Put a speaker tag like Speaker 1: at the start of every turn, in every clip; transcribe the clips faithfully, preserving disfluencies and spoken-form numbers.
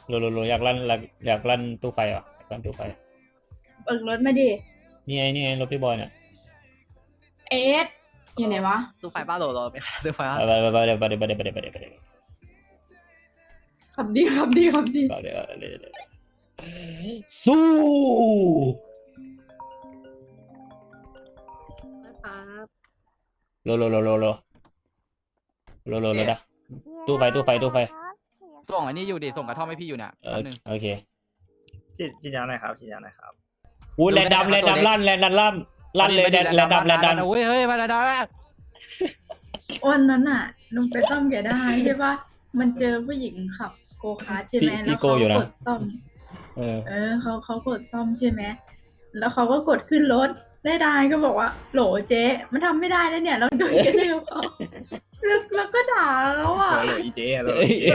Speaker 1: โลโลโลอยากลั่นอยากลั่นตู้ไฟอ่ะอยากลั่นตู้ไฟ
Speaker 2: เบิกรถมาดิ
Speaker 1: นี่ไงนี่ไงรถพี่บอยเนี่ย
Speaker 2: เอสอยู่ไหนวะ
Speaker 3: ตู้ไฟบ้าโหลโหลไปตู้ไฟบ้า
Speaker 1: ไปไปไปไปไปไปไปไปไปไปไปไป
Speaker 2: ขับดีขับดีขับดี
Speaker 1: ไปไปสู้
Speaker 3: ครับ
Speaker 1: โลโลโลโลโลโลโลโลนะตู้ไฟตู้ไฟตู้ไฟ
Speaker 3: ส่งอันนี้อยู่ดิส่งกระท่อมให้พี่อยู่เนี่ย
Speaker 1: เอ
Speaker 3: แป๊
Speaker 1: อบ
Speaker 3: นึง
Speaker 1: โอเค
Speaker 4: ฉีดฉีดยาหน่อยครับฉีดยาหน่อยครับ
Speaker 1: อู้แลนดำแลนดำลั่นแลนดำลั่นลั่นเลยแลนแลนดำแลนดำ
Speaker 3: โอ้ยเฮ้ยมาดา
Speaker 2: วันนั้นอ่ะลุงไปซ่อมแกได้ใช่ปะมันเจอผู้หญิงขับโกคาร์ทใช่ไหมแล้วเขากดซ่อม
Speaker 1: เออ
Speaker 2: เออเขาเขากดซ่อมใช่ไหมแล้วเขาก็กดขึ้นรถได้ได้ก็บอกว่าโหลเจ๊มันทำไม่ได้แล้วเนี่ยเราโดนกระทืบเขาแล้วแล้วก็ด่าแล้วอ่ะ
Speaker 4: เหลืออีเจเหลือ
Speaker 1: เอ้ย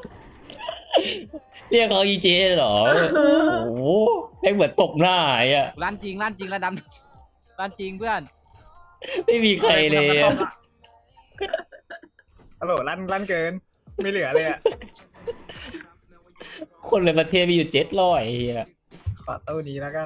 Speaker 1: เรียกเขาอีเจเหรอโอ้โหให้เหมือนตบหน้าไอ้อะ
Speaker 3: ลั่นจริงลั่นจริงลั่นดำลั่นจริงเพื่อน
Speaker 1: ไม่มีใครเลยอะ
Speaker 4: ฮัลโหลลั่นลั่นเกิน ไม่เหลือเลยอ่ะ
Speaker 1: คนในประเทศมีอยู่เจ็ดร้อยเฮีย
Speaker 4: ขอตู้นี้แล้วกัน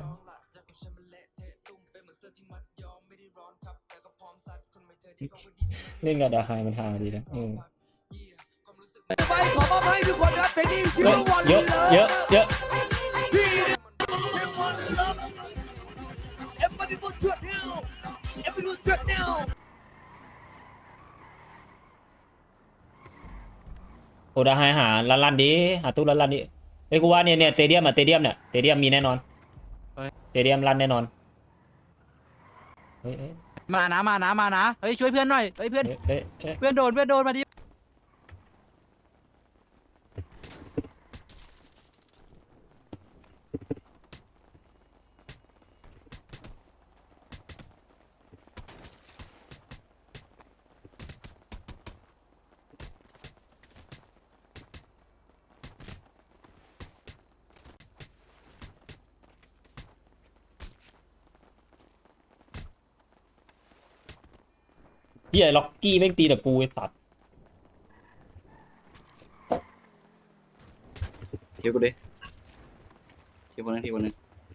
Speaker 1: เล่นกับดาไฮมันทางดีนะเออ
Speaker 5: ไปขอมอบให้ทุกคนครับเพลงนี้ชื่อว่าวัน
Speaker 1: เยอะเยอะเยอะ
Speaker 5: เอฟวันนี้มันเถื่อนแนวเอฟวันนี้เถื่อนแนว
Speaker 1: โอดาไฮหาลันลันดีหาตู้ลันลันดีเฮ้ยกูว่าเนี่ยเนี่ยเตเดียมอะเตเดียมเนี่ยเตเดียมมีแน่นอนเตเดียมรันแน่นอนเฮ้ยเฮ้ย
Speaker 3: มานะมานะมานะเฮ้ยช่วยเพื่อนหน่อยเฮ้ยเพื่อน
Speaker 1: เฮ้ยเฮ้ย
Speaker 3: เพื่อนโดนเพื่อนโดนมาดิ
Speaker 1: เฮียล็อกกี้แม่งตีแต่กูไอ้สัตว์
Speaker 6: เทียบกูดิเทียบคนนึงทีคนนึง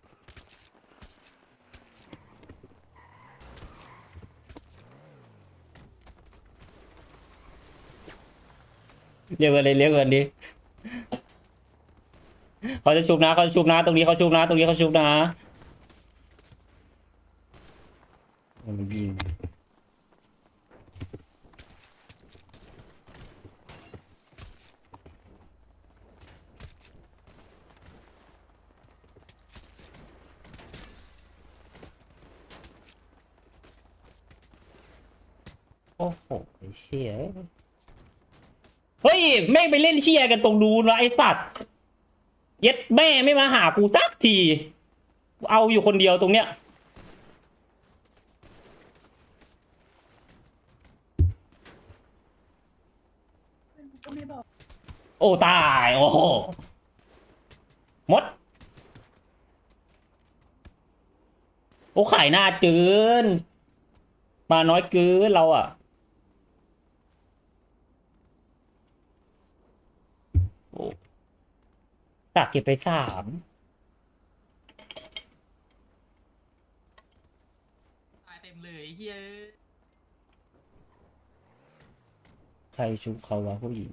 Speaker 1: เรียกเงินเลยเรียกเงินดิเขาจะชุบนะเขาจะชุบนะตรงนี้เขาชุบนะตรงนี้เขาชุบนะมันยิงโอ้โหไอ้เชี่ยเฮ้ยแม่งไปเล่นเชี่ยกันตรงนู้นวะไอ้สัตว์เย็ดแม่ไม่มาหากูสักทีเอาอยู่คนเดียวตรงเนี้ย
Speaker 2: ก็ไม่บอก
Speaker 1: โอ้ตายโอ้โหมดโอ้ขายหน้าเกินมาน้อยเกินเราอ่ะโอ้ตักเก็บไปสาม
Speaker 3: ตายเต็มเลยเฮ้ย
Speaker 1: ใครชุบเขาวะผู้หญิง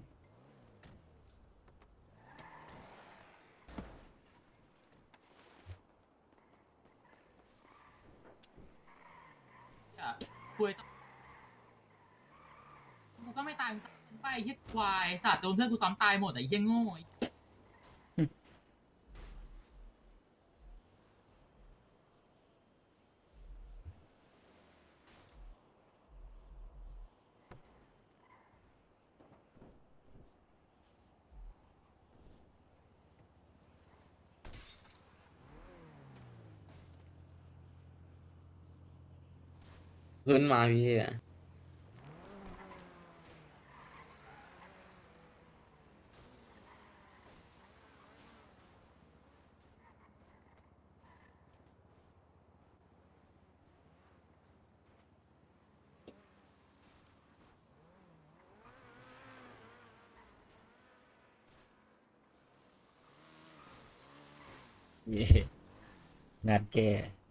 Speaker 3: คุยกูก็ไม่ตายไปเฮียควายสัตว์โดนเพื่อนกูซ้ำตายหมดไอ้เฮียโง่
Speaker 6: ขึ้นมาพี่
Speaker 1: เย่งานแก้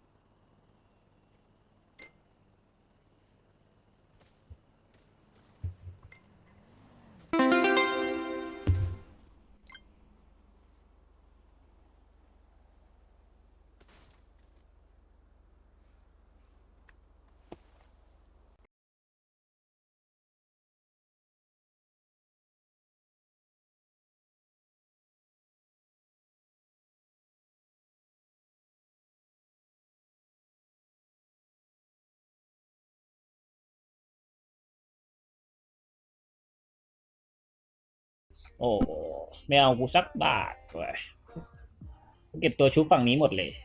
Speaker 1: โอ้ไม่เอากูสักบาทเว้ยกูเก็บตัวชุบฝั่งนี้หมดเลย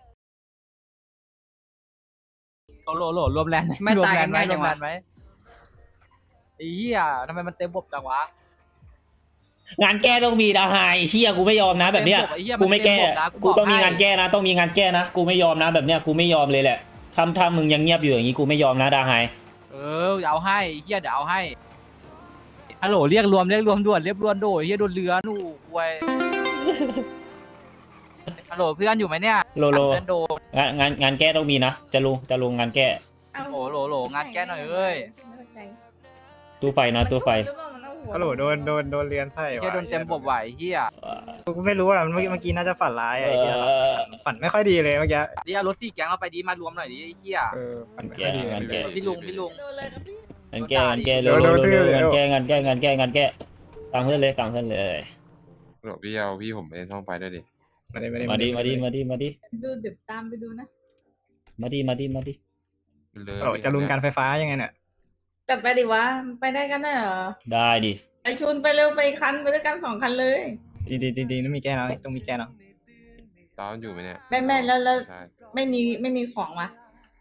Speaker 5: โหลโหลรวมแลนด์
Speaker 6: ไม่ตายกัน
Speaker 5: รวมแล
Speaker 6: ง่าย
Speaker 5: นด์
Speaker 6: จัง
Speaker 5: ไหมรวมแล
Speaker 6: วะ
Speaker 5: นด์ไหมไอ้เหี้ยทำไมมันเต็มบบจังวะ
Speaker 1: งานแก้ต้องมีนะไฮเชี่ยกูไม่ยอมนะแบบเนี้ย
Speaker 5: เต็มบบไอ้เหี้ย
Speaker 1: กูไม่แก้
Speaker 5: นเต็บบนะ
Speaker 1: กูต้องมี
Speaker 5: บให้
Speaker 1: งานแก้นะ ต้องมีงานแก้นะ กูไม่ยอมนะแบบเนี้ย กูไม่ยอมเลยแหละถ้าถ้ามึงยังเงียบอยู่อย่างนี้กูไม่ยอมนะดาไฮ
Speaker 5: เออเอาให้ไอ้เหี้ยเดี๋ยวเอาให้ฮัลโหลเรียกรวมเรียกรวมด่วนเรียกรวมด่วนไอ้เหี้ยโดนเรือหนูควยฮัลโหลเพื่อนอยู่ไหมเนี่ย
Speaker 1: โลโล
Speaker 5: เพื่อนโดน
Speaker 1: งานงานงานแก้ต้องมีนะ จะลุงจะลุงงานแก้
Speaker 5: โหลโหลโหลงานแก้หน่อยเอ้ย
Speaker 1: ตู้ไฟนะตู้ไฟ
Speaker 4: ฮัลโหลโดนโดนโดนเรียนไส้
Speaker 5: ไอ้เหี้ยโดนเต็มบบไหวเหี้ย
Speaker 4: กูไม่รู้อ่ะเมื่อกี้เมื่อกี้น่าจะฝันร้าย
Speaker 1: เอ
Speaker 4: อะไอ้เหี้ย
Speaker 1: อ
Speaker 4: ฝันไม่ค่อยดีเลยเมื่อกี้
Speaker 5: นี่เอารถสี่แก๊งเราไปดีมารวมหน่อยดิไอ้เหี้ย
Speaker 4: เออฝันไม่ค่อยดี
Speaker 1: งานแก้
Speaker 5: พี่ลุงพี่ลุง
Speaker 1: งานแก้งานแก้เร็ว
Speaker 4: โด
Speaker 1: เร็วน
Speaker 4: โดน
Speaker 1: เร็ว
Speaker 4: โดน
Speaker 1: งานแก้งานแก้งานแก้งานแก้ตามเพื่อนเลยตามเพื่อนเลย
Speaker 7: หลวงพี่เอาพี่ผมไปท่องไปด้วยดิ
Speaker 4: มาดิมาดิ
Speaker 1: มาดีมาดีมาดีมาดี
Speaker 2: ดูเดี๋ยวตามไปดูนะ
Speaker 1: มาดีมาดีมาดี
Speaker 7: มันเลย
Speaker 4: ฮัลโหลจะลุงการไฟฟ้ายังไงเนี่ย
Speaker 8: จัดไปดิวะ ไปได้กันได้เหรอ
Speaker 1: ได้ดิ
Speaker 8: ไอชุนไปเร็วไปคันไปด้วยกันสองคันเลย
Speaker 4: ดีดีดีดีต้องมีแก้เนาะต้องมีแก้เนาะ
Speaker 7: ตอนอยู่ไหมเนี่ย
Speaker 8: แม่แม่แล้วแล้ว
Speaker 7: ใช่
Speaker 8: ไม่มีไม่มีของวะ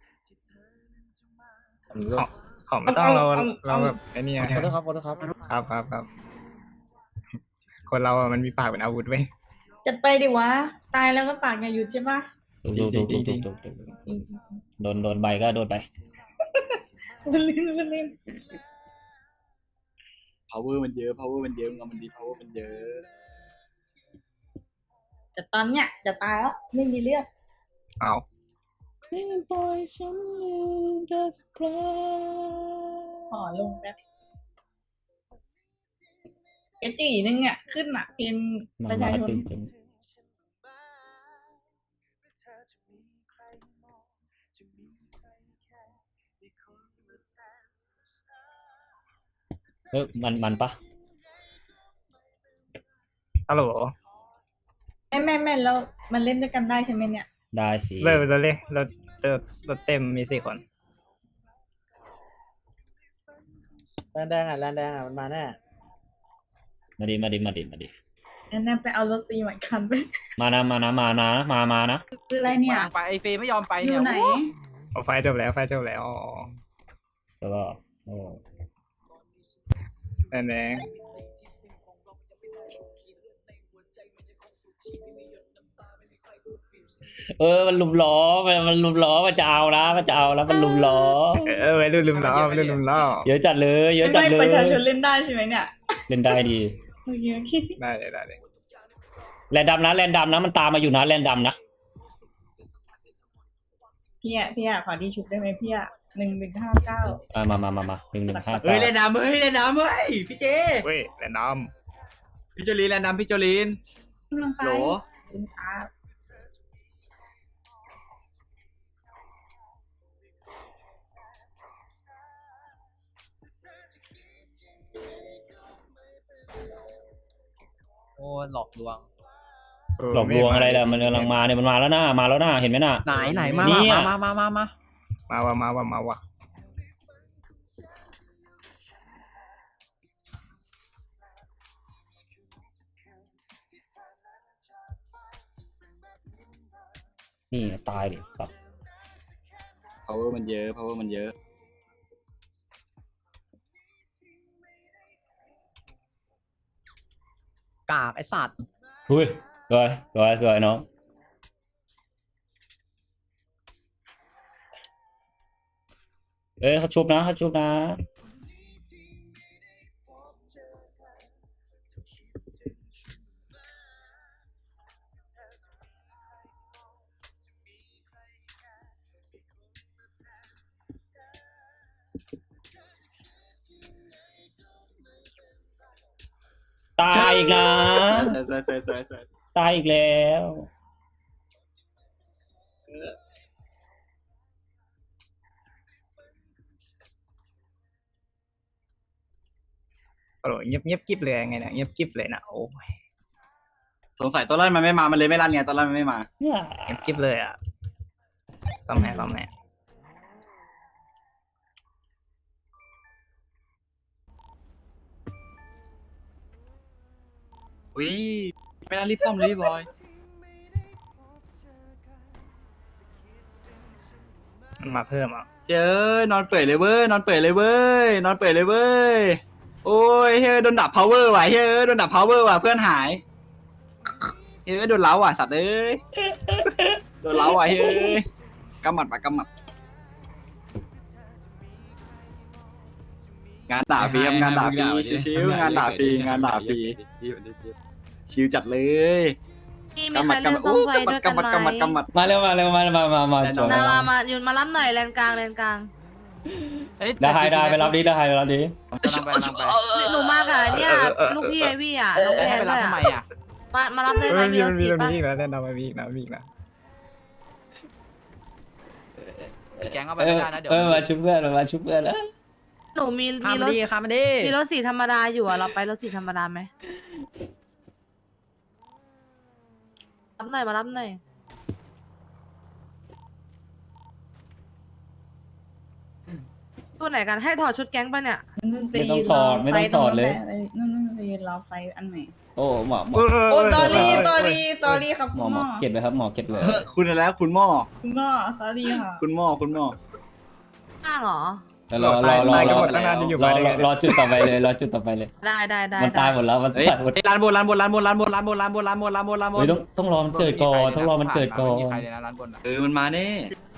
Speaker 4: ของของไม่ต้องเราเราแบบไอ้นี่ไง
Speaker 5: ขอโทษครับขอโทษครับ
Speaker 4: ครับครับครับคนเราอะมันมีปากเป็นอาวุธเว้ย
Speaker 8: จัดไปดิวะ ตายแล้วก็ปากอย่าหยุดใช่ปะ
Speaker 1: ถูกถูก
Speaker 4: จริ
Speaker 1: ถู
Speaker 4: ง
Speaker 1: ก
Speaker 4: ๆ
Speaker 1: ถูกถูกถูก
Speaker 8: จริง
Speaker 1: โดนโดนใบก็โดนไป
Speaker 8: ๆสลินสลิน
Speaker 6: power มันเยอะ power มันเยอะเงามันดี power มันเยอะ
Speaker 8: แต่ตอนเนี้ยจะตายแล้วไม่มีเลือด
Speaker 4: เอา
Speaker 8: ขอลงแป๊บกระจีนึงอ่ะ ขึ้นอ่ะเป็น
Speaker 1: มัน
Speaker 8: ประชา
Speaker 1: มา
Speaker 8: ชน
Speaker 1: ตึงตึงเออมันมันปะ
Speaker 4: ฮัลโหล
Speaker 8: แม่แม่แม่แล้วมันเล่นด้วยกันได้ใช่ไหมเนี่ย
Speaker 1: ได้สิ
Speaker 4: เริ่มเราเลยเราเราเราเต็มมีสี่คน
Speaker 5: แลนแดงอ่ะแลนแดงอ่ะมันมาแน่
Speaker 1: มาดิมาดิมาดิมาดิ
Speaker 8: นั่นนั่นไปเอารถซีใหม่คันไป
Speaker 1: มานะมานะมานะมามานะ
Speaker 2: คืออะไรเนี่ย
Speaker 5: วางไปไอเฟย์ไม่ยอมไป
Speaker 2: อ
Speaker 5: เนี่ย
Speaker 2: ยู่ไหน
Speaker 4: เอาไฟจบแล้วไฟจบแล้วอ๋อ
Speaker 1: แล้วก็โอ้
Speaker 4: แน่แน่
Speaker 1: เออมันลุมล้อมันมันลุมล้อมันจะเอานะมันจะเอาแล้วมันลุมล้อ
Speaker 4: เออไว้ดูลืมล้อไว้ดูลืมล้อ
Speaker 1: เยอะจัดเลยเยอะจัด
Speaker 8: ไม่
Speaker 1: เล
Speaker 8: ป
Speaker 1: ย
Speaker 8: ระชาชนเล่นได้ใช่ไหมเนี่ย
Speaker 1: เล่นได้ดี
Speaker 8: โอเคโอเค
Speaker 4: ได้เลยได้เลย
Speaker 1: แลนดำนะแลนดำนะมันตามมาอยู่นะแลนดำนะ
Speaker 8: พี่อ่ะพี่อ่ะขอดีชุบได้ไหมพี่อ่ะหนึ่งหนึ่งห้าเก้า
Speaker 1: อ่ะมามามามาหนึ่งหนึ่งห้า
Speaker 6: เฮ้
Speaker 1: เก้าย
Speaker 6: เล่นน้ำเฮ้ยเล่นน้ำเฮ้ยพี่เจ
Speaker 4: เว้ยแต่น้
Speaker 6: พี่โจลีนเล่นน้ำพี่โจลีน
Speaker 8: กำลังไป
Speaker 6: โหล
Speaker 8: คุณอา
Speaker 5: โอ้หลอกลวง
Speaker 4: ำ
Speaker 1: หลอกลวงอะไรล่ะมันกำลังมาเนี่ยมันมาแล้วนะมาแล้วนะเห็นไหมน่ะ
Speaker 5: ไหนไหนมา
Speaker 1: เนี่
Speaker 5: มาย มามามามา
Speaker 4: มาว่ะมาว่ะมาว่ะ
Speaker 1: นี่ตายดิครับ
Speaker 6: power มันเยอะ power มันเยอะ
Speaker 5: กากไอสัตว์
Speaker 1: หุ้ยสวยสวยสวยน้องเอ้ยเขาชุบนะเขาชุบนะตายอีกนะ
Speaker 6: สวยสวยสวยสวยสวย
Speaker 1: ตายอีกแล้ว
Speaker 4: โอ้โหเงียบเงียบกิ๊บเลยไงเนี่ยเงียบกิ๊บเลยนะโอ้ย
Speaker 6: สงสัยตอนแรกมันไม่มามันเลยไม่รันไงตอนแรกมันไม่มา
Speaker 1: เนี่ย
Speaker 4: เงียบกิ๊บเลยอ่ะซ่อมแม่ซ่อมแม่
Speaker 6: อุ้ยไม่น่ารีบซ่อมเลยพี่บอย
Speaker 4: มันมาเพิ่มอ่ะ
Speaker 6: เจ้ยนอนเปื่อยเลยเว้ยนอนเปื่อยเลยเว้ยนอนเปื่อยเลยเว้ยโอ้ยเฮ้ยโดนดับ power ว่ะเฮ้ยโดนดับ power ว่ะเพื่อนหายเฮ้ยโดนเล้าว่ะสัตว์เอ้ยโดนเล้าว่ะเฮ้ยกำหมัดว่ะกำหมัดงานด่าฟรีครับงานด่าฟรีชิวๆงานด่าฟรีงานด่าฟรีชิวจัดเลย
Speaker 9: พี่มีใครเล่นซ่อมไฟด้วยกัน
Speaker 6: กำมัดกำมัด
Speaker 9: ไหม
Speaker 6: กำมัด
Speaker 1: มาเร็วมาเร็วมามามามา
Speaker 6: แน่น
Speaker 1: จ
Speaker 6: อ
Speaker 1: บ
Speaker 6: น
Speaker 9: มามามาอยู่มารับหน่อยแลนกลางแลนกลาง
Speaker 5: เอ้ย
Speaker 1: ได้ได้ไปรับดีได้ไปรับดี
Speaker 5: กำลังไปกำลังไป
Speaker 9: หนูมาค่ะเนี่ยลูกพี่ไอพี่อ่ะน้อง
Speaker 5: เอ้ย
Speaker 9: แพ
Speaker 5: ให้
Speaker 9: น
Speaker 5: ไป
Speaker 9: ด้
Speaker 5: รั
Speaker 9: ว
Speaker 5: บ
Speaker 9: ย
Speaker 5: ทำไม
Speaker 9: อ่ะ
Speaker 5: อ่ะ
Speaker 9: มามารับได้ไหม
Speaker 4: มัน
Speaker 9: มี
Speaker 4: มี
Speaker 9: ร
Speaker 4: มัน
Speaker 9: ถ
Speaker 4: มี
Speaker 9: สี
Speaker 4: มันมี
Speaker 9: ปะ
Speaker 4: อีกนะแน่นอนมันมีอีกนะมีอีกนะ
Speaker 5: ไอ้แก๊งเอาไป
Speaker 1: เอ
Speaker 5: ไม่
Speaker 1: อ
Speaker 5: ได้นะเดี๋ยว
Speaker 1: เออมาชุบเพื่อนมาชุบเพื่อนแล้ว
Speaker 9: หนูมี
Speaker 5: ข้าม
Speaker 9: มี
Speaker 5: มาร
Speaker 9: ถ
Speaker 5: ดิข้ามมาดิ
Speaker 9: มีรถสีธรรมดาอยู่อ่ะเราไปรถสีธรรมดาไหมรับหน่อยมารับหน่อยตัวไหนกันให้ถอดชุดแก๊งปะเนี่ย
Speaker 8: นู่นไป
Speaker 1: ไม่ต้อ
Speaker 8: ยื
Speaker 1: ง
Speaker 8: น
Speaker 1: ถ
Speaker 8: ร
Speaker 1: อ
Speaker 8: อ
Speaker 1: ดไม่
Speaker 8: ไฟ
Speaker 1: ต้อง
Speaker 8: ต
Speaker 1: ถ
Speaker 8: ร
Speaker 1: อง ด
Speaker 8: นู้น
Speaker 1: เลย
Speaker 8: แหละนู่นนู่นไปยืนรอไฟอันใหม่
Speaker 1: โอ้หมอหมอ
Speaker 8: โอ้ตอรี่ตอรี่ตอรี่ครับ
Speaker 1: หม
Speaker 8: คุ
Speaker 1: อ
Speaker 8: ณ
Speaker 1: ห
Speaker 8: ห
Speaker 1: ม
Speaker 8: ม
Speaker 1: อ
Speaker 8: อ
Speaker 1: เก็บเลยครับหมอเก็บเลย
Speaker 6: คุณแล้วคุณหม้อ
Speaker 8: คุณหมอสอรี่ค่ะ
Speaker 6: คุณหม้อคุณหม้อ
Speaker 9: ข้างเหรอ
Speaker 1: รอรอรอ
Speaker 4: ตาย
Speaker 1: ร
Speaker 4: กัน
Speaker 1: อ
Speaker 4: หมดตั้งนานจะอยู่
Speaker 1: รอ
Speaker 4: มาได้
Speaker 1: ร
Speaker 4: ไง
Speaker 1: อรอจุดต่อไปเลยรอจุดต่อไปเลย
Speaker 9: ได้ได้ได้
Speaker 1: มันตายหมดแล้วมัน
Speaker 6: เฮ้ย
Speaker 1: ตายหมด
Speaker 6: ร้านบนร้านบนร้านบนร้านบนร้านบนร้านบนร้านบนร้านบนร้านบน
Speaker 1: เฮ้ยต้องต้องรอมันเกิดก่อนต้องรอมันเกิดก่อ
Speaker 5: ไม่มี
Speaker 1: น
Speaker 5: ใครเลยนะร้านบนอ่ะ
Speaker 6: เออมันมาแน่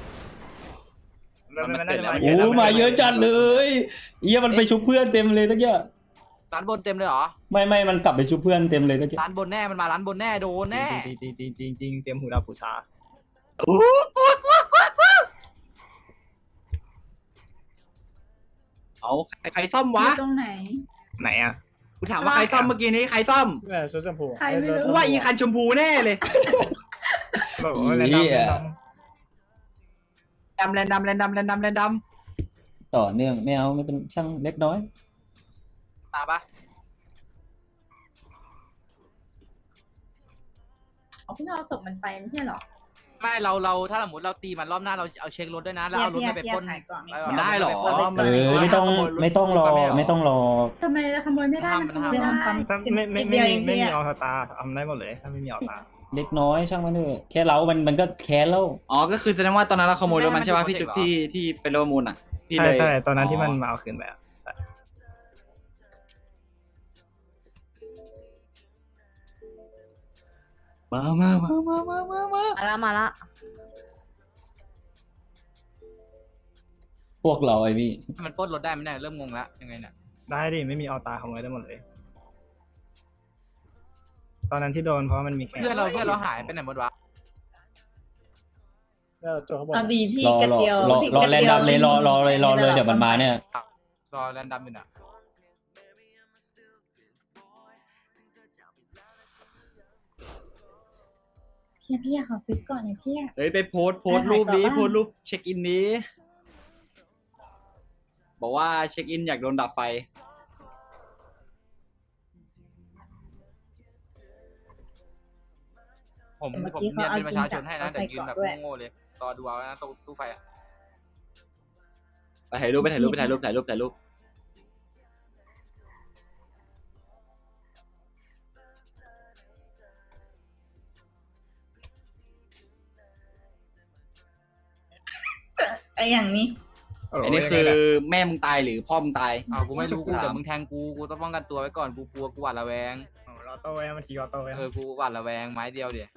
Speaker 4: มันมันน่าจะมา
Speaker 1: โอ้มาเยอะจัดเลยเอี้ยมันไปชุบเพื่อนเต็มเลยตะเกีย
Speaker 5: ร้านบนเต็มเลยเหรอ
Speaker 1: ไม่ไม่มันกลับไปชุบเพื่อนเต็มเลยตะเกีย
Speaker 5: ร้านบนแน่มันมาร้านบนแน่โดนแน่
Speaker 4: จริงจริงจริงจริงจริงเตรียมหูดับหูชา
Speaker 6: เอาใครใครซ่อม
Speaker 2: อ
Speaker 6: วะ
Speaker 2: ยู่ตรงไหน
Speaker 4: ไหนอ่ะ
Speaker 6: กูถามว่าใครซ่อมเมื่อกี้นี้ใครซ่อม
Speaker 4: แม่ชุดชมพู
Speaker 2: ใครไม่รู้
Speaker 6: กูว่าอีคันชมพูแน่เลย
Speaker 4: บอกว่าแนะนำแนะน
Speaker 6: ดำแลนดำแลนดำแลนดำแลนด
Speaker 1: ต่อเนื่องไม่เอาไม่เป็นช่างเล็กน้อย
Speaker 5: ตาปะ
Speaker 2: เอาเพิ่งเอาศพมันไปไม่ใช่เหรอ
Speaker 5: ไม่เราเราถ้าสมมติเราตีมันรอบหน้าเราเอาเช็ครถด้วยนะแล้วเอารถ
Speaker 8: พี่
Speaker 5: ไปไป
Speaker 8: พี่
Speaker 5: ปล้น
Speaker 8: ถ่ายก่อน
Speaker 6: ำมันได้เหรอ
Speaker 1: เออไม่ต้องไม่ต้องรอไม่ต้องรอ
Speaker 2: ทำไมขโมยไม่ได้มันขโมยไม่ได้
Speaker 4: ำถ้าไม่ไม่ไม่มีไม่มีออสตาทำได้หมดเลยถ้าไม่มีออสตา
Speaker 1: เล็กน้อยช่างมันเถอะแค่เรามันมันก็แค้นแล้ว
Speaker 6: อ๋อก็คือแสดงว่าตอนนั้นเราขโมยรถมันใช่ป่ะพี่จุดที่ที่เป็นรถประมูลอ่ะพี่
Speaker 4: ใช่
Speaker 6: เลย
Speaker 4: ใช่ตอนนั้นที่มันมาเอาคืนไปอ่ะใช่
Speaker 6: มามามามามามามา
Speaker 9: มาละมาละ
Speaker 1: พวกเราไอ้พี่
Speaker 5: มันปล้นรถได้ไหมเนี่ยเริ่มงงแล้วยังไงเนี่ย
Speaker 4: ได้ดิไม่มีออสตาขโมยได้หมดเลย ตอนนั้นที่โดนเพราะมันมีแค่
Speaker 5: เพื่อนเราเพื่อนเราหายไปไหนหมดวะ
Speaker 8: เอาดีพี่
Speaker 1: รอก
Speaker 8: ระ
Speaker 1: รอ
Speaker 8: เจียว
Speaker 1: รอ
Speaker 8: พี่
Speaker 1: รอก
Speaker 8: ระ
Speaker 1: แลน
Speaker 8: จียว
Speaker 1: ดัมเลยรอรอเลยรอเลยเดี๋ยวมันมาเนี่ย
Speaker 5: รอแรนดัมอยู่น่ะ
Speaker 8: พี่พี่ขอฟิกก่อนหน่อยพี่
Speaker 6: เฮ้ยไปโพสต์โพสต์รูปนี้โพสต์รูปเช็คอินนี้บอกว่าเช็คอินอยากโดนดับไฟ
Speaker 5: ผมผมเนียนเป็นประชาชนให้นะแต่ยืนแบบโง่ๆเลยรอดูเอานะตู้ตู้ไฟอ่ะ
Speaker 6: ไปถ่ายรูปไปถ่ายรูปไปถ่ายรูปถ่ายรูปถ่ายรูป
Speaker 8: ไออย่างนี้
Speaker 6: อันนี้คือแม่มึงตายหรือพ่อมึงตาย
Speaker 5: อ้าวกูไม่รู้กูเดี๋ยวมึงแทงกูกูต้องป้องกันตัวไว้ก่อนกูกลัวกูหวาดระแวง
Speaker 4: รอโต้ไว้มันขี่รอโต้ไว้
Speaker 5: เออกูหวาดระแวงไม้เดียวเดียว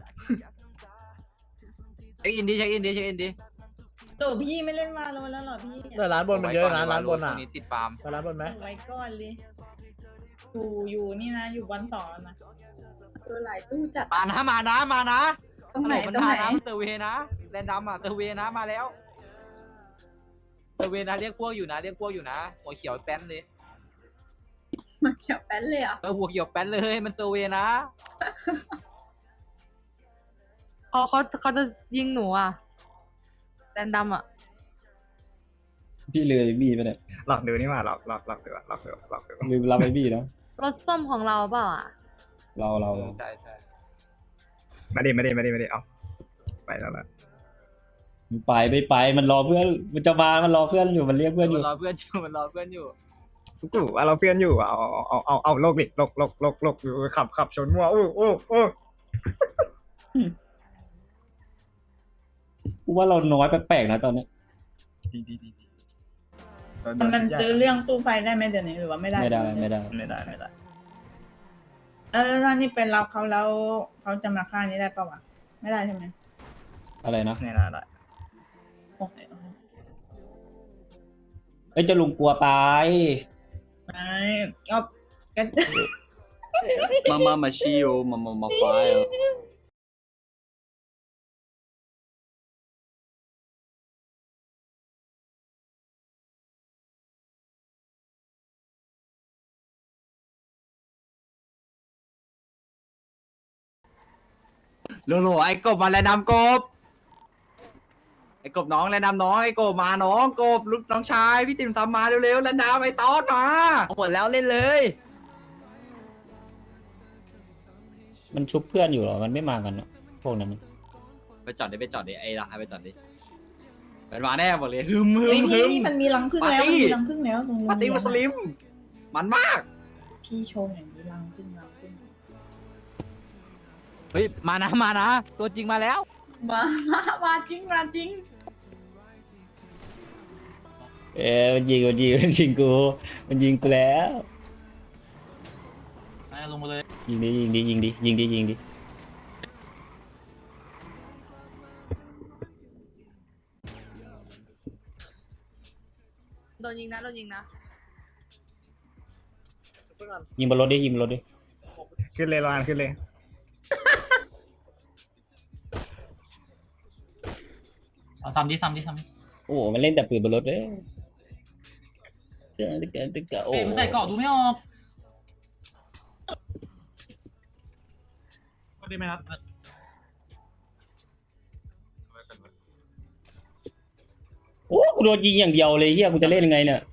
Speaker 5: เช็คอินดิเช็คอินดิเช็คอินดิ
Speaker 8: โตพี่ไม่เล่นมาโลแล้วเหรอพี่
Speaker 10: แต่ร้านบนมันเยอะนะร้านบน
Speaker 5: ตร
Speaker 10: อ่ะ
Speaker 5: งนี้ติดฟาร์ม
Speaker 10: ไปร้านบนไหม
Speaker 8: ไว้ก่อนเลยอยู่อยู่นี่นะอยู่วันสองนะ
Speaker 2: ตัวหลายตู้จัด
Speaker 5: มานะมานะมานะ
Speaker 2: ตรงไหน
Speaker 5: มัน
Speaker 2: ตรง
Speaker 5: มา
Speaker 2: ไหน
Speaker 5: นะเซอร์เวนะแรนดัมอ่ะเซอร์เวนะมาแล้วเซอร์เวนะเรียกพวกอยู่นะเรียกพวกอยู่นะหัวเขียวแป้นเลย
Speaker 2: มันเขียวแป้นเลยอ่ะ
Speaker 5: เออหัวเขียวแป้นเลยมันเซอร์เวย์นะ
Speaker 9: เขาเขาเขาจะยิงหนูอ่ะแดนดำอ่ะ
Speaker 1: พี่เลยบี้ไปเนี่ย
Speaker 4: หลอกดูนี่ว่าหลอกหลอกหลอกดูอะหลอกดูหลอกดู
Speaker 1: ลืมรับไปบี้แล้ว
Speaker 9: รถส้มของเราเปล่าอ่ะ
Speaker 1: เราเรา
Speaker 5: ใช่ใช่
Speaker 4: ไม่ได้ไม่ได้ไม่ได้ไม่ได้เอาไปแล้วละ
Speaker 1: ไปไม่ไปมันรอเพื่อนมันจะมามันรอเพื่อนอยู่มันเรียกเพื่อนอ
Speaker 5: มัน
Speaker 1: ยู่
Speaker 5: รอเพื่อนอยู่มันรอเพื่อนอยู่
Speaker 4: กูว่าเราเพื่อนอยู่อะเอาเอาเอาเอาเอาโลกดิโลกโลกโลกโลกอยู่ขับขับชนมัวโอ้โอ้โอ้
Speaker 1: กูว่าเราน้อยแปลกๆนะตอนนี้
Speaker 4: ดีดีดีดี
Speaker 8: มันมันซื้อเรื่องตู้ไฟได้ไหมเดี๋ยวนี้หรือว่าไม่ได้
Speaker 1: ไม่ได้ไม่ได้
Speaker 4: ไม่ได้ไม่ได้
Speaker 8: เออแล้วนี่เป็นรับเขาแล้วเขาจะมาฆ่านี้ได้ปะวะไม่ได้ใช่ไหม
Speaker 1: อะไรนะ
Speaker 4: ไม่ได้ได้
Speaker 8: โอเค
Speaker 1: เอ้ยเจะลุงกลัวตาย
Speaker 8: ไม่ก็ก็
Speaker 6: มามามาชิโอมามามาไฟโลโลไอ้กบมาแล้วนำกบไอ้กบน้องแล้วนำน้องไอ้กบมาน้องกบลูกน้องชายพี่ติ๋มทำมาเร็วๆแล้วนำไอ้ตอดมา
Speaker 5: หมดแล้วเล่นเลย
Speaker 1: มันชุบเพื่อนอยู่เหรอมันไม่มากันเนอะพวกนั้นน่ะ
Speaker 6: ไปจอดดิไปจอดดิไอ้ราคาไปจอดดิเป็นมาแน่บอกเลยฮึมฮึ
Speaker 8: เฮ้ย
Speaker 6: มฮึ
Speaker 8: นี่
Speaker 6: ม
Speaker 8: นี่มันมีรังพึ่งแล้ว
Speaker 6: ปาร์ตี้
Speaker 8: มันมีรังพึ่งแล้วตรงโรง
Speaker 6: ปาร์ตี้
Speaker 8: เรียน
Speaker 6: มุสลิม มันมาก
Speaker 8: พี่โชว์อย่างนี้รังพึ่งรังพึ่ง
Speaker 5: เฮ้ยมานะมานะตัวจริงมาแล้ว
Speaker 2: มามามาจริงมาจริง
Speaker 1: เอ้ยมันยิงมันยิงมันยิงกูมันยิงกูแล้ว
Speaker 3: ไปลงมาเลย
Speaker 1: ยิงดิยิงดิยิงดิยิงดิยิงดิ
Speaker 9: โดนยิงนะโดนยิงนะ
Speaker 1: ยิงบนรถดิยิงบนรถดิ
Speaker 4: ขึ้นเลยรานขึ้นเลย
Speaker 3: เอาซ้ำดิซ้ำดิซ้ำดิ
Speaker 1: โอ้โหมันเล่นแต่ปืนบนรถเลยเกินเกินเกินโอ้
Speaker 3: เอ้ยมันใส่เกราะดูไม่ออกก็ได้ไหมครับ
Speaker 1: โอ้กูโดนยิงอย่างเดียวเลยเฮียกูจะเล่นยังไงเนี่ย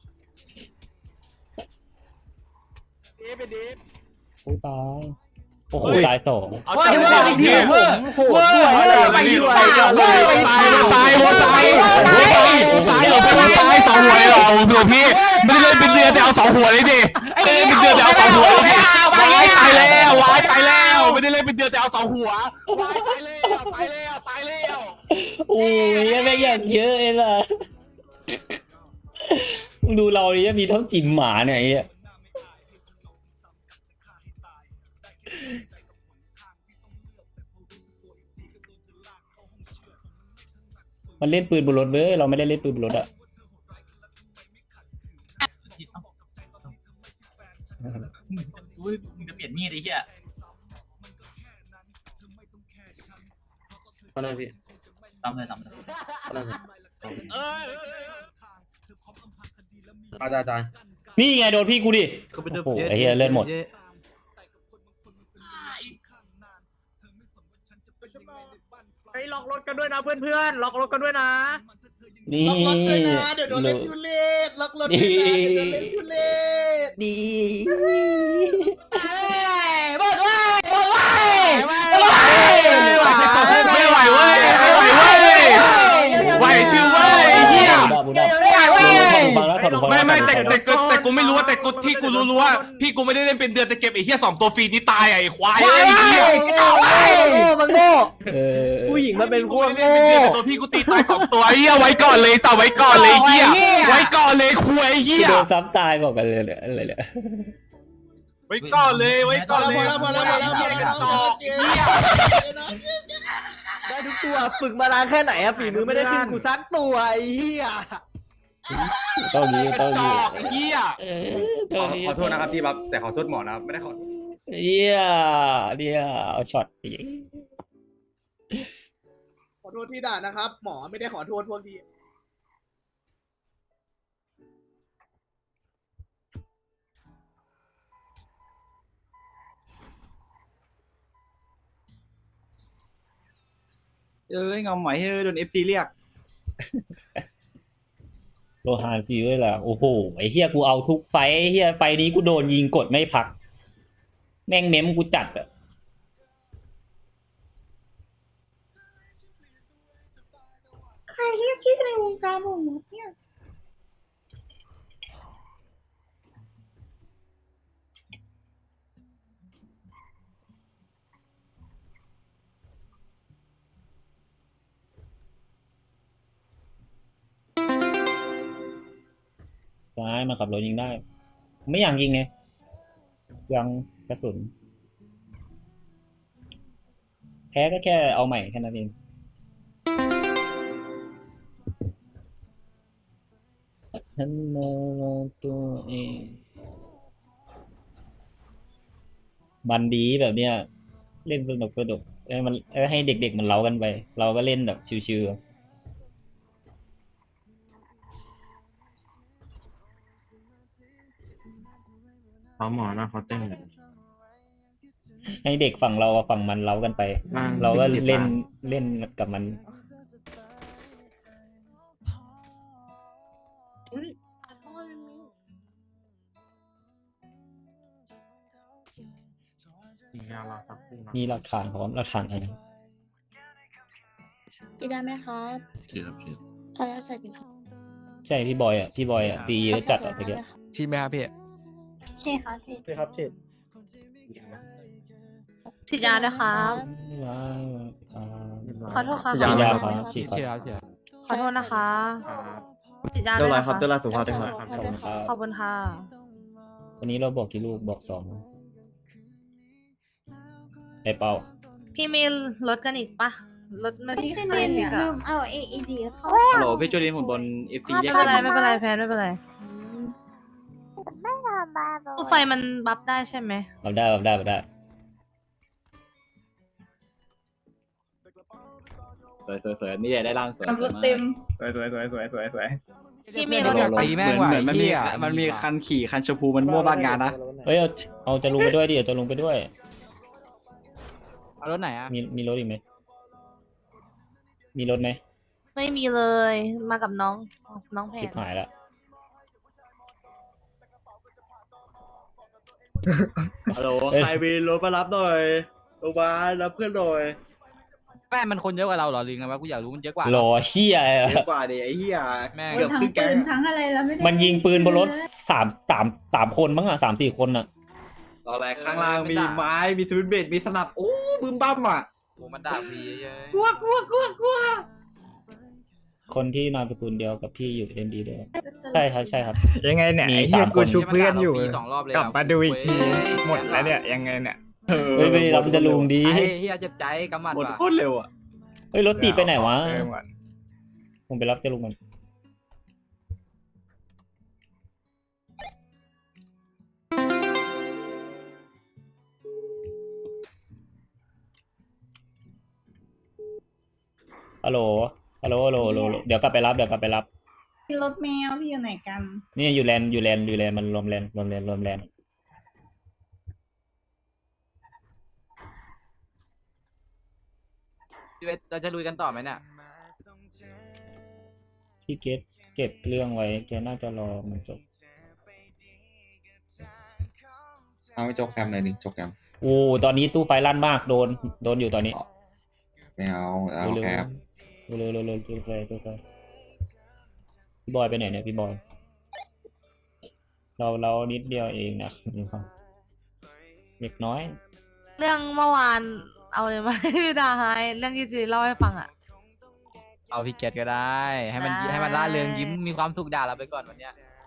Speaker 1: โอ้ตายโอ้โหตายสอง
Speaker 5: เฮ้ยเว้ยเหี้ยเว้ยโหดด้วยไปด้วย
Speaker 6: เว้ยไปตายตายตาย
Speaker 1: ตาย
Speaker 10: ตายสองหัวเลยเหรอดูพี่ไม่ได้เล่นเป็นเรือแต่เอาสองหัวเลยดิไม่ได้เล่นเป็นเรือแต่เอาสองหัวเลยดิวายตายแล้ววายตายแล้วไม่ได้เล่นเป็นเรือแต่เอาสองหัววายตายแล้วตายแล้วตายแล้ว
Speaker 1: โอ้ยยังไม่อยากเยอะเองล่ะมึงดูเราดิมีเท่าจิ๋มหมาเนี่ยไอ้เหี้ยมันเล่นปืนบนรถเว้ยเราไม่ได้เล่นปืนบนรถอะ
Speaker 3: อุ้ยมึงจะเปลี่ยนมีดไอ้เหี้ย
Speaker 10: ก็ได้พี่
Speaker 3: ตามเลยตามเลย
Speaker 10: ก็ได้อาจารย์อาจารย์
Speaker 1: นี่ไงโดนพี่กูดิโอ้โหไอ้เหี้ยเลื่อนหมด
Speaker 4: ไปล็อกรถกันด้วยนะเพื่อนๆล็อกรถกันด้วยนะ
Speaker 1: นี่ล็อกรถด้วยนะเดี๋ยวโดนเล่นทุเรศล็อกรถด้วยนะเดี๋ยวโดนเล่นทุเรศดี
Speaker 5: บอกว่าบอกว่า
Speaker 10: ไม่ไหวเว้ยไม่ไหวเว้ยไหวชื่อเว้ยเฮีย
Speaker 1: บูดับบูดับไม่
Speaker 10: ไม่ไม่แต่แต่แต่แต่กูไม่รู้ว่าแต่กูที่กูรู้รู้ว่าพี่กูไม่ได้เล่นเป็นเดือนแต่เก็บไอ้เหี้ยสองตัวฟรีนี่ตายไอ้ควายไอ้เหี้ย
Speaker 5: โง่มันโง่
Speaker 1: ผู้หญิงมันเป็น
Speaker 10: กูไม่ได้เล่นเป็นเดือนแต่ตัวพี่กูตีตายสองตัวไอ้เหี้ยไว้ก่อนเลยสาวไว้ก่อนเลยเหี้ยไว้ก่อนเลยควายเหี้ย
Speaker 1: โดนซ้ำตายบอกกันเลยอะไรเนี่ย
Speaker 10: ไว้ก่อนเลยไว้ก่อนเลย
Speaker 5: พอแล้วพอแล้วพอแล้ว
Speaker 10: ต่อเหี้ย
Speaker 5: ได้ทุกตัวฝึกมานานแค่ไหนอะฝีมือไม่ได้ขึ้นกูซักตัวไอ้เหี้ย
Speaker 1: ต้องมี
Speaker 10: กระ
Speaker 1: ต้อง
Speaker 10: จ
Speaker 1: มี
Speaker 10: อกไอ้เหี้ย
Speaker 4: ขอขอโทษนะครับพี่บับแต่ขอโทษหมอนะครับไม่ได้ขอ
Speaker 1: เหี้ยเนี่ยเอาช็อตอีก
Speaker 11: ขอโทษที่ด่านะครับ หมอไม่ได้ขอโทษพวกที่
Speaker 6: เอ้ยเงาหมอยเฮ้ยโดนเอฟซีเรียก
Speaker 1: โลหานฟีด้วยล่ะโอ้โหไอ้เฮียกูเอาทุกไฟท์ไอ้เฮียไฟท์นี้กูโดนยิงกดไม่พัก แม่งเม้มกูจัดอะ
Speaker 8: ใครเรียกชื่อในวงการผมเนี่ย
Speaker 1: ซ้ายมาขับรถยิงได้ ไม่อยากยิงไงยังกระสุน แพ้ก็แค่เอาใหม่แค่นั้นเองฉันมองตัวเองบันดีแบบเนี้ย เล่นสนุกสนุกเอ้ยมันเอ้ยให้เด็กๆมันเล้ากันไป เราก็เล่นแบบชิวๆ
Speaker 7: เขาหมอนะเขาเต้น
Speaker 1: ให้เด็กฝั่งเรากับฝั่งมันเล้ากันไป เราก็เล่นเล่นกับมัน
Speaker 9: อุ๊ยขอโทษมิว
Speaker 7: มีงานเราสักครู่นะ
Speaker 1: มีหลักฐานพร้อมหลักฐานอะไร
Speaker 9: กินได้ไหมครับ
Speaker 7: เชียบเชียบ
Speaker 9: เอาแล้วใส่กินครับ
Speaker 1: ใช่พี่บอยอ่ะ พี่บอยอ่ะตีเยอะจัดอ่ะตะเกียบ
Speaker 5: ชิมไหมครับพี่
Speaker 9: ใช่ครับใช่
Speaker 11: ใช่ครับเช่น
Speaker 9: ฉีดยาด้วยครับ ขอโทษครับ
Speaker 1: ฉีดยาครับฉีด
Speaker 5: เชีย
Speaker 1: ครับ
Speaker 5: ร์เชียร์
Speaker 9: ขอโทษนะคะ
Speaker 7: ครับ
Speaker 9: ฉีดยา
Speaker 11: เรี
Speaker 9: ด้วย
Speaker 11: บร้อย
Speaker 9: นะ
Speaker 11: ครั
Speaker 9: คะ
Speaker 11: บเรียบร้อยสุภาพด้วยครับ
Speaker 1: ขอบคุณครับ
Speaker 9: ขอบคุณค่ะ
Speaker 1: วันนี้เราบอกกี่ลูกบอกสองไอเป้า
Speaker 9: พี่มีรถกันอีกปะรถมาที่ใครอีกอะ
Speaker 2: เอา เอ อี ดี เข้า
Speaker 6: ฮัลโหลพี่จูลินผมโดนเอฟซีเรีย
Speaker 9: ไม่
Speaker 6: ก
Speaker 9: เป็นไรไม่เป็นไรแพนไม่เป็นไรตู้ไฟมันบัฟได้ใช่ไหม
Speaker 1: รับได้รับได้รับได้
Speaker 6: สวยสวยสวยนี่ได้ร่างสวย
Speaker 8: ขับรถเต็ม
Speaker 4: สวยสวยสวยสวยสวยสวย
Speaker 9: พี่มี
Speaker 5: เดี๋
Speaker 9: ร
Speaker 5: ยว
Speaker 9: ถ
Speaker 5: เดี๋ยวตีแม่ง
Speaker 6: เหมือน
Speaker 5: ว่ะ
Speaker 6: เหมือนมันมี
Speaker 5: เหี้ย
Speaker 6: มันมีคันขี่คันชมพูมันมั่วบ้านงานนะ
Speaker 1: เฮ้ยเอาเอาจะลุงไปด้วยดิเอาจะลุงไปด้วย
Speaker 5: เอารถไหนอ่ะ
Speaker 1: มีมีรถอีกไหมมีรถไหม
Speaker 9: ไม่มีเลย มากับน้องน้องแพ
Speaker 1: ชิ
Speaker 9: น
Speaker 1: บหายละ
Speaker 6: ฮัลโหลใครมีรถมารับหน่อยโรงพยาบาลรับเพื่อนหน่อย
Speaker 5: แม่มันคนเยอะกว่าเราเหรอลิงไงวะกูอยากรู้มันเยอะกว่า
Speaker 1: หล่อเชี่ย
Speaker 6: เยอะกว่าดิไอ้เหี้ย
Speaker 5: แม่ง
Speaker 6: เกือบ
Speaker 2: ทั้ง
Speaker 6: ครึ่งแก๊
Speaker 2: ปื
Speaker 6: ง
Speaker 2: นทั้งอะไรแล้วไม่ได้
Speaker 1: มันยิงปืนบนรถสามสามสามคนมั้งอ่ะสามสี่คนอ่ะ
Speaker 6: ตอนแรกข้างล่างมีไม้มีสวิตช์เบรดมีสนับโอ้บึ้มบั้มอ่ะ
Speaker 5: โอ้มันด่าฟรีเยอะ
Speaker 6: กลัวกลัวกลัวกลัว
Speaker 1: คนที่นามสกุลเดียวกับพี่อยู่เอ็มดีด้วยใช่ครับใช่ครับ
Speaker 4: ยังไงเนี่ย
Speaker 1: มี
Speaker 4: ไอ้เหี้ย
Speaker 1: สาม
Speaker 4: กู
Speaker 1: คน
Speaker 4: ชุบเพื่อนอยู่
Speaker 5: ฟรีสองรอบเลย
Speaker 4: กลับมาดูอีกทีหมดแล้วเนี่ยยังไงเนี่ย
Speaker 1: เฮ้ยไปรับจะลุงดี
Speaker 5: ไอ้เฮียเจ็บใจกำมัด
Speaker 6: หมด
Speaker 5: ว่ะ
Speaker 6: โคตรเร็วอ่ะ
Speaker 1: เฮ้ยรถตีไปไหนวะ
Speaker 4: เออหมด
Speaker 1: ผมไปรับจะลุงมันฮัลโหลฮัลโหลฮัลโหลฮัลโหลเดี๋ยวกลับไปรับเดี๋ยวกลับไปรับ
Speaker 8: รถแมวพี่อยู่ไหนกัน
Speaker 1: นี่อยู่แลนด์อยู่แลนด์อยู่แลนด์มันรวมแลนด์รวมแลนด์รวมแลนด์
Speaker 5: พี่เวทเราจะลุยกันต่อไหมเนี่ย
Speaker 1: พี่เก็บเก็บเรื่องไว้แกน่าจะรอมันจบ
Speaker 7: เอาไปจกแซมหน่อยดิจกแซม
Speaker 1: โอ้ตอนนี้ตู้ไฟลั่นมากโดนโดนอยู่ตอนนี้
Speaker 7: ไม่เอาเอา
Speaker 1: เร็ว
Speaker 7: แคบ
Speaker 1: ๆเร็วๆเร็วๆเร็วๆตู้ไฟตู้ไฟพี่บอยไปไหนเนี่ยพี่บอย เราเรานิดเดียวเองนะเล็กน้อย
Speaker 9: เรื่องเมื่อวานเอาเลยไหม พี่ดาไฮเรื่องที่จีเล่าให้ฟังอ่ะ
Speaker 5: เอาพี่เกตก็ได้ ให้มัน
Speaker 9: ได้
Speaker 5: ให้มันล่าเริงยิ้มมีความสุขด่าเราไปก่อนวันเนี้ย